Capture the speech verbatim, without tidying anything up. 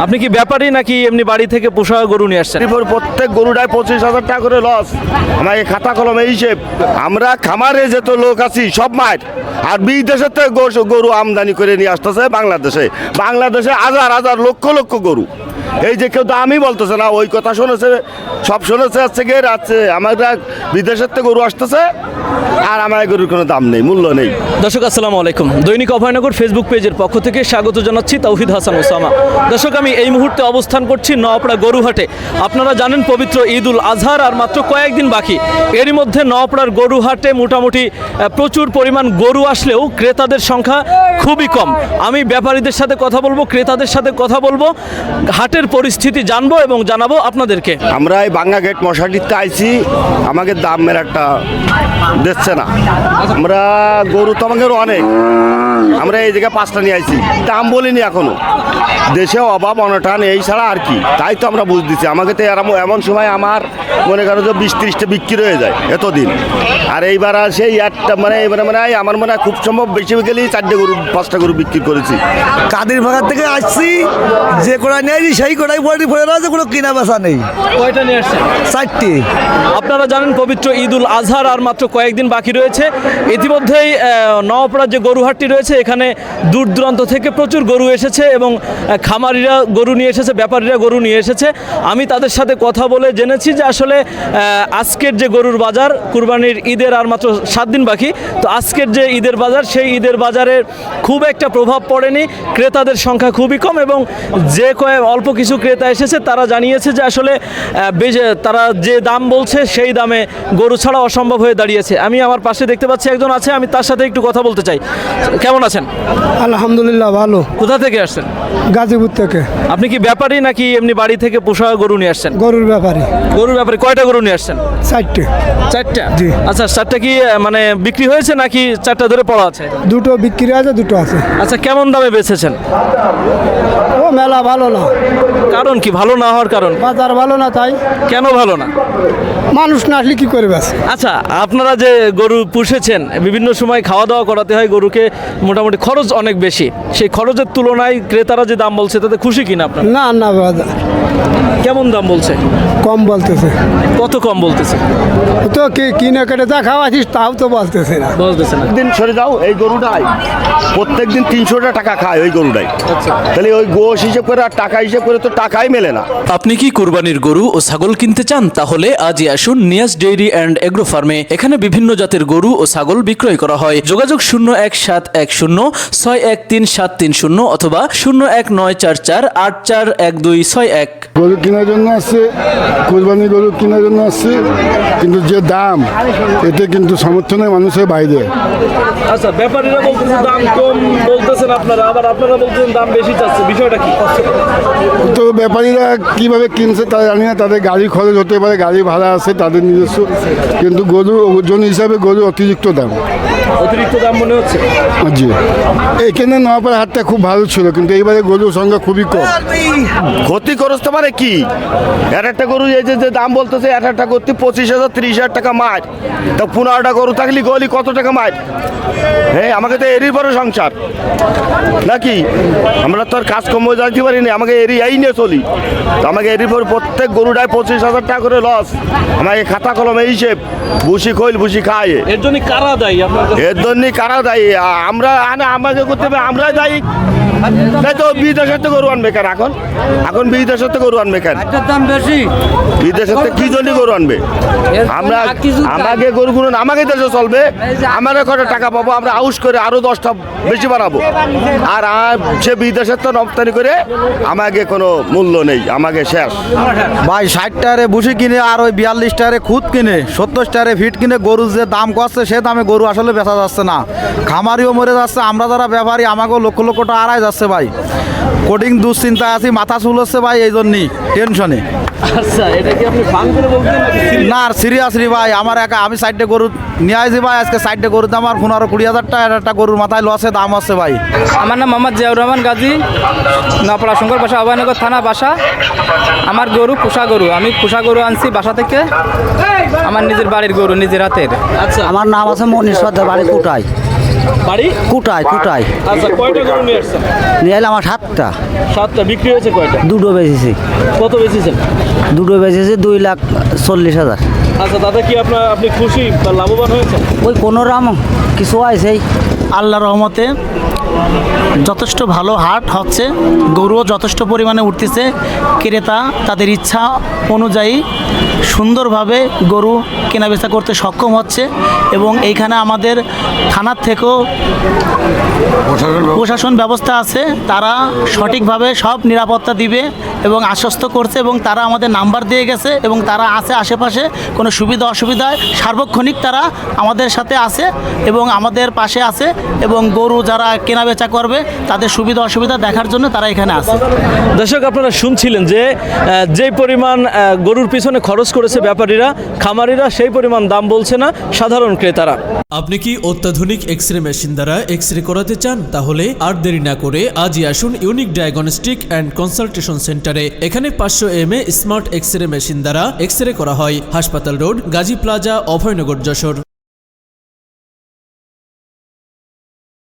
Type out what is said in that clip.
আপনি কি ব্যাপারী নাকি এমনি বাড়ি থেকে পোষা গরু নিয়ে আসছেন? প্রত্যেক গরুটায় পঁচিশ হাজার টাকা করে লস। আমাকে খাতা কলমে হিসেব, আমরা খামারে যেত লোক আছি সব মায়ের, আর বিদেশের থেকে গরু আমদানি করে নিয়ে আসতেছে বাংলাদেশে। বাংলাদেশে হাজার হাজার লক্ষ লক্ষ গরু। এই যে কেউ তো আমি বলতেছে না, ওই কথা শুনেছে, সব শুনেছে হচ্ছে গিয়ে রাখছে। আমরা বিদেশের থেকে গরু আসতেছে আর আমার গরুর কোনো দাম নেই, মূল্য নেই। দর্শক আসসালামু আলাইকুম, দৈনিক অভয়নগর ফেসবুক পেজের পক্ষ থেকে স্বাগত জানাচ্ছি তৌহিদ হাসান ওসামা। দর্শক আমি এই মুহূর্তে অবস্থান করছি নওয়াপাড়া গরুহাটে। আপনারা জানেন পবিত্র ঈদ উল আজহার আর মাত্র কয়েকদিন বাকি। এরই মধ্যে নওয়াপাড়ার গরুহাটে মোটামুটি প্রচুর পরিমাণ গরু আসলেও ক্রেতাদের সংখ্যা খুবই কম। আমি ব্যাপারীদের সাথে কথা বলবো, ক্রেতাদের সাথে কথা বলবো, হাটের পরিস্থিতি জানবো এবং জানাবো আপনাদেরকে। আমরা এই বাঙ্গা গেট মশাটিতে আইছি, আমাকে দামের একটা দিচ্ছে না। আমরা গরু তো আমাদের অনেক, আমরা এই জায়গায় পাঁচটা নিয়ে আইছি, দাম বলিনি এখনো। দেশে অভাব অনটান এই ছাড়া আর কি, তাই তো আমরা বুঝ দিচ্ছি। আমাকে তো এমন সময় আমার মনে করো যে বিশ ত্রিশটা বিক্রি হয়ে যায় এতদিন, আর এইবার আর সেই একটা মানে এবারে মানে আমার মনে হয় খুব সম্ভব বেশি গেলেই চারটে গরু পাঁচটা গরু বিক্রি করেছি। কাদের ভাগার থেকে আসছি, যে কোড়াই নেই সেই কোড়াই পড়ে পড়ে রয়েছে, কোনো কিনা বেচা নেই। কয়টা নিয়ে আসছেন? চারটি। আপনারা জানেন পবিত্র ঈদ উল আজহার আর মাত্র কয়েকদিন বাকি রয়েছে। ইতিমধ্যেই নওয়াপাড়ার যে গরুহাটটি রয়েছে এখানে দূর দূরান্ত থেকে প্রচুর গরু এসেছে এবং খামারিরা গরু নিয়ে এসেছে, ব্যাপারীরা গরু নিয়ে এসেছে। আমি তাদের সাথে কথা বলে জেনেছি যে আসলে আজকের যে গরুর বাজার, কুরবানির ঈদের আর মাত্র সাত দিন বাকি, তো আজকের যে ঈদের বাজার সেই ঈদের বাজারে খুব একটা প্রভাব পড়েনি, ক্রেতাদের সংখ্যা খুবই কম এবং যে কয়েক অল্প কিছু ক্রেতা এসেছে তারা জানিয়েছে যে আসলে তারা যে দাম বলছে সেই দামে গরু ছাড়া অসম্ভব হয়ে দাঁড়িয়েছে। আমি আমার পাশে দেখতে পাচ্ছি একজন আছে, আমি তার সাথে একটু কথা বলতে চাই। কেমন আছেন? আলহামদুলিল্লাহ ভালো। কোথা থেকে আসছেন? গাজীপুর থেকে। আপনি কি ব্যাপারী নাকি এমনি বাড়ি থেকে পোষা গরু নিয়ে আসছেন? গরুর ব্যাপারে। গরুর ব্যাপারে কয়টা গরু নিয়ে আসছেন? চারটে। চারটা? জি। আচ্ছা, চারটা কি মানে বিক্রি হয়েছে নাকি চারটা ধরে পড়া আছে? দুটো বিক্রি আছে, দুটো আছে। আচ্ছা, কেমন দামে বেচেছেন? ও মেলা ভালো না। কারণ কি ভালো না হওয়ার কারণ? বাজার ভালো না, তাই। কেন ভালো না? মানুষ না আসলে কি করে বেচে? আচ্ছা, আপনারা যে গরু পুষেছেন, বিভিন্ন সময় খাওয়া দাওয়া করাতে হয় গরুকে, মোটামুটি খরচ অনেক বেশি। সেই খরচের তুলনায় ক্রেতারা যে দাম বলছে তাতে খুশি কিনা আপনার? না না, বাজার কেমন দাম বলছে? কম বলতেছে। কত কম বলতেছে? তো কি কিনে কেটে যা খাওয়াছিস তাও তো বলতেছে না। বলতেছে না। দিন সরে যাও, এই গরুটাই প্রত্যেক দিন তিনশোটা টাকা খায় ওই গরুটাই। তাহলে ওই গোশ হিসেব করে আর টাকা হিসেব করে তো টাকাই মেলে না। আপনি কি কুরবানির গরু ও ছাগল কিনতে চান? তাহলে আজই আসুন নিয়াজ ডেইরি অ্যান্ড এগ্রো ফার্মে। এখানে বিভিন্ন জাতের গরু ও ছাগল বিক্রয় করা হয়। যোগাযোগ শূন্য এক সাত এক শূন্য ছয় এক তিন সাত তিন শূন্য অথবা শূন্য এক নয় চার চার আট চার এক দুই ছয় এক। গরু কেনার জন্য আসছে, কোরবানি গরু কেনার জন্য আসছে, কিন্তু যে দাম এতে কিন্তু সমর্থনের মানুষের বাইরে। আচ্ছা, ব্যাপারীরা বলতেছে দাম কম বলতেছেন আপনারা, আবার আপনারা বলতেছেন দাম বেশি চাচ্ছে, বিষয়টা কি? তো ব্যাপারীরা কিভাবে কিনছে তা জানি না, তাদের গাড়ি খরচ হতে পারে, গাড়ি ভাড়া আছে তাদের নিজস্ব, কিন্তু গরু ওজন হিসাবে গরু অতিরিক্ত দাম। অতিরিক্ত দাম মনে হচ্ছে? জি, এখানে নওয়াপাড়া হাটটা খুব ভালো ছিল, কিন্তু এইবারে গরুর সংখ্যা খুবই কম। ক্ষতি করতে পারে কি, এক একটা গরু এই যে যে দাম বলতেছে, এক একটা করতে পঁচিশ হাজার ত্রিশ হাজার টাকা মার, তা পনেরোটা গরু থাকলে গলি কত টাকা মার? হ্যাঁ, আমাকে তো এরই পরে সংসার নাকি, আমরা তো আর কাজ কম যাইতে পারি না, আমাকে এরি এই নিয়ে চলি। তো আমাকে এরই পরে প্রত্যেক গরুটায় পঁচিশ হাজার টাকা করে লস। আমাকে খাতা কলমে হিসেব, ভুসি খৈল ভুসি খায়। এর জন্য কারা দায়ী আপনার? এর জন্যই কারা দায়ী? আমরা আনে আমাকে করতে হবে, আমরাই দায়ী। তাই তো বিদেশের তো গরু আনবে কেন এখন? এখন বিদেশের তো গরু আনবে কেন? দাম বেশি। বিদেশের তো কি জন্য গরু আনবে? আমরা আমাকে গরুগুলো আমাকে দেশে চলবে, আমাকে কটা টাকা পাবো, আমরা আউশ করে আরো দশটা বেশি বাড়াবো, আর সে বিদেশের তো রপ্তানি করে আমাকে কোনো মূল্য নেই, আমাকে শেষ। ভাই ষাট টারে বুসি কিনে আর ওই বিয়াল্লিশ টারে খুদ কিনে সত্তর টারে ফিট কিনে গরু যে দাম করছে সে দামে গরু আসলে বেচা যাচ্ছে না। খামারিও মরে যাচ্ছে, আমরা যারা ব্যাপারী আমাকেও লক্ষ লক্ষ টাকা আড়াই যাচ্ছে ভাই। কোডিং দুশ্চিন্তা আছি, মাথা চুল হচ্ছে ভাই, এই জন্যই টেনশনে। আচ্ছা, এটা কি আপনি ফান করে বলছেন না সিরিয়াসলি ভাই, আমার একা আমি সাইডে গরু নিয়ে আসি ভাই, আজকে সাইডে গরুর দাম আর পনেরো কুড়ি হাজার টাকা একটা গরুর মাথায় লসে দাম হচ্ছে ভাই। আমার নাম মোহাম্মদ জিয়াউর রহমান গাজী, নওয়াপাড়া শঙ্কর বাসা, অভয়নগর থানা বাসা। আমার গরু পোষা গরু, আমি পোষা গরু আনছি বাসা থেকে, আমার নিজের বাড়ির গরু, নিজের হাতের। আচ্ছা, আমার নাম আছে মনীষ সর্দার, বাড়ি কোটায়। বাড়ি কুটায় কুটায় আচ্ছা, কয়টা গরু নিয়ে আসছেন? নিয়ে এলাম আমার সাতটা, সাতটা। বিক্রি হয়েছে কয়টা? দুটো বেচেছি, কত বেচেছেন? দুটো বেচেছি দুই লাখ চল্লিশ হাজার। আচ্ছা দাদা, কি আপনার আপনি খুশি বা লাভবান হয়েছেন? ওই কোনো রাম কিছু আইসেই আল্লাহ রহমতে যথেষ্ট ভালো হাট হচ্ছে, গরুও যথেষ্ট পরিমাণে উঠতেছে, ক্রেতা তাদের ইচ্ছা অনুযায়ী সুন্দরভাবে গরু কেনাবেচা করতে সক্ষম হচ্ছে। এবং এইখানে আমাদের থানার থেকেও প্রশাসন ব্যবস্থা আছে, তারা সঠিকভাবে সব নিরাপত্তা দিবে এবং আশ্বস্ত করছে, এবং তারা আমাদের নাম্বার দিয়ে গেছে এবং তারা আছে আশেপাশে, কোনো সুবিধা অসুবিধায় সার্বক্ষণিক তারা আমাদের সাথে আছে এবং আমাদের পাশে আছে, এবং গরু যারা কেনাবেচা করবে তাদের সুবিধা অসুবিধা দেখার জন্য তারা এখানে আছে। দর্শক, আপনারা শুনছিলেন যে আহ, যে পরিমাণ আহ, গরুর পিছনে খরচ করেছে ব্যাপারীরা, খামারিরা, সেই পরিমাণ দাম বলছে না সাধারণ ক্রেতারা। আপনি কি অত্যাধুনিক এক্স রে মেশিন দ্বারা এক্স রে করাতে চান? তাহলে আর দেরি না করে আজই আসুন ইউনিক ডায়াগনস্টিক অ্যান্ড কনসালটেশন সেন্টারে। এখানে পাঁচশো M A smart X ray machine দ্বারা এক্স রে করা হয়। হাসপাতাল রোড, গাজী প্লাজা, অভয়নগর, যশোর।